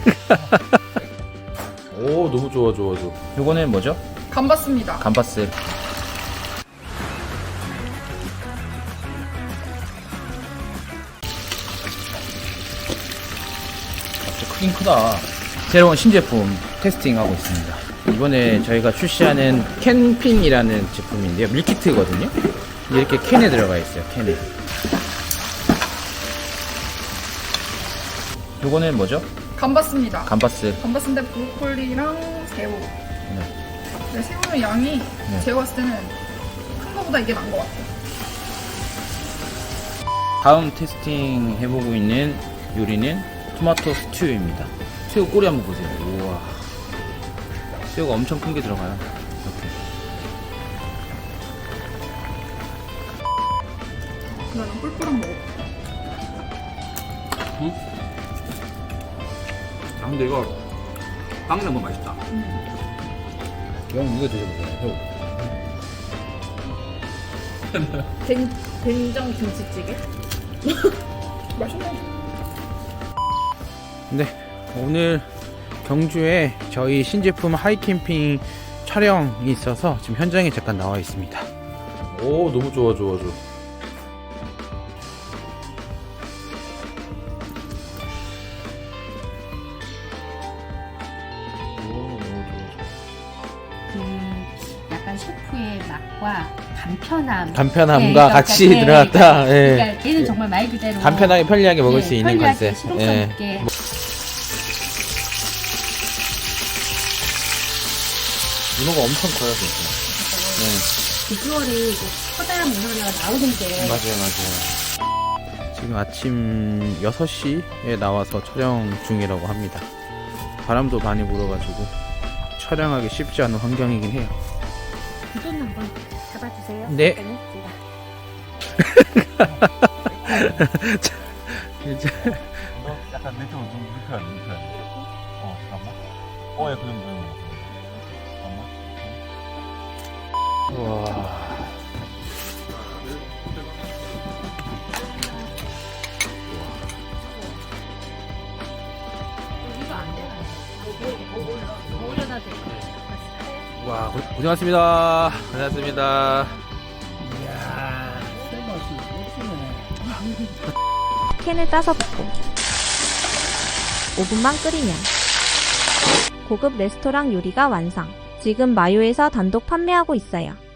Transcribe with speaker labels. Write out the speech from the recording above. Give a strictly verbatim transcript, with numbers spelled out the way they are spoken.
Speaker 1: 오, 너무 좋아, 좋아, 좋아. 요거는 뭐죠?
Speaker 2: 감바스입니다.
Speaker 1: 감바스. 진짜 크긴 크다. 새로운 신제품 테스팅하고 있습니다. 이번에 저희가 출시하는 캔핑이라는 제품인데요. 밀키트거든요. 이렇게 캔에 들어가 있어요. 캔에. 요거는 뭐죠?
Speaker 2: 감바스입니다.
Speaker 1: 감바스.
Speaker 2: 감바스인데 브로콜리랑 새우.
Speaker 1: 네.
Speaker 2: 근데 새우의 양이
Speaker 1: 네.
Speaker 2: 제가 봤을 때는 큰 거보다 이게 나은 것 같아요.
Speaker 1: 다음 테스팅 해보고 있는 요리는 토마토 스튜입니다. 새우 꼬리 한번 보세요. 우와. 새우가 엄청 큰 게 들어가요. 이렇게.
Speaker 2: 나는 뿔뿔한 먹어.
Speaker 3: 응? 아 근데 이거 빵 넣으면 맛있다.
Speaker 1: 형 이거 드셔보세요.
Speaker 4: 된, 된장 김치찌개?
Speaker 2: 맛있네.
Speaker 1: 네, 오늘 경주에 저희 신제품 하이캠핑 촬영이 있어서 지금 현장에 잠깐 나와 있습니다. 오, 너무 좋아, 좋아, 좋아.
Speaker 4: 그 약간 셰프의 맛과 간편함
Speaker 1: 간편함과
Speaker 4: 네, 그러니까
Speaker 1: 같이
Speaker 4: 네,
Speaker 1: 들어갔다. 예.
Speaker 4: 그러니까 얘는 정말 말 그대로
Speaker 1: 간편하게 편리하게 먹을
Speaker 4: 네,
Speaker 1: 수 있는
Speaker 4: 편리하게
Speaker 1: 컨셉.
Speaker 4: 실용성
Speaker 1: 예.
Speaker 4: 있게
Speaker 1: 문어가 엄청 커요, 진짜. 네.
Speaker 4: 비주얼이 이제 커다란 문어 하나가 나오는데
Speaker 1: 맞아요, 맞아요. 지금 아침 여섯 시에 나와서 촬영 중이라고 합니다. 바람도 많이 불어가지고 촬영하기 쉽지 않은 환경이긴 해요.
Speaker 4: 두분 한번 잡아주세요.
Speaker 1: 네.
Speaker 4: 제가.
Speaker 1: 이제
Speaker 3: 너 약간 내 쪽으로 좀 눕혀야 돼, 눕혀야 돼. 어, 잠깐만. 어, 예, 그 정도. 잠깐만.
Speaker 1: 와.
Speaker 4: 이거 안 되나? 올려다 돼.
Speaker 1: 와, 고- 고생하셨습니다. 고생하셨습니다.
Speaker 5: 캔을 따서 붓고 오 분만 끓이면 고급 레스토랑 요리가 완성. 지금 마요에서 단독 판매하고 있어요.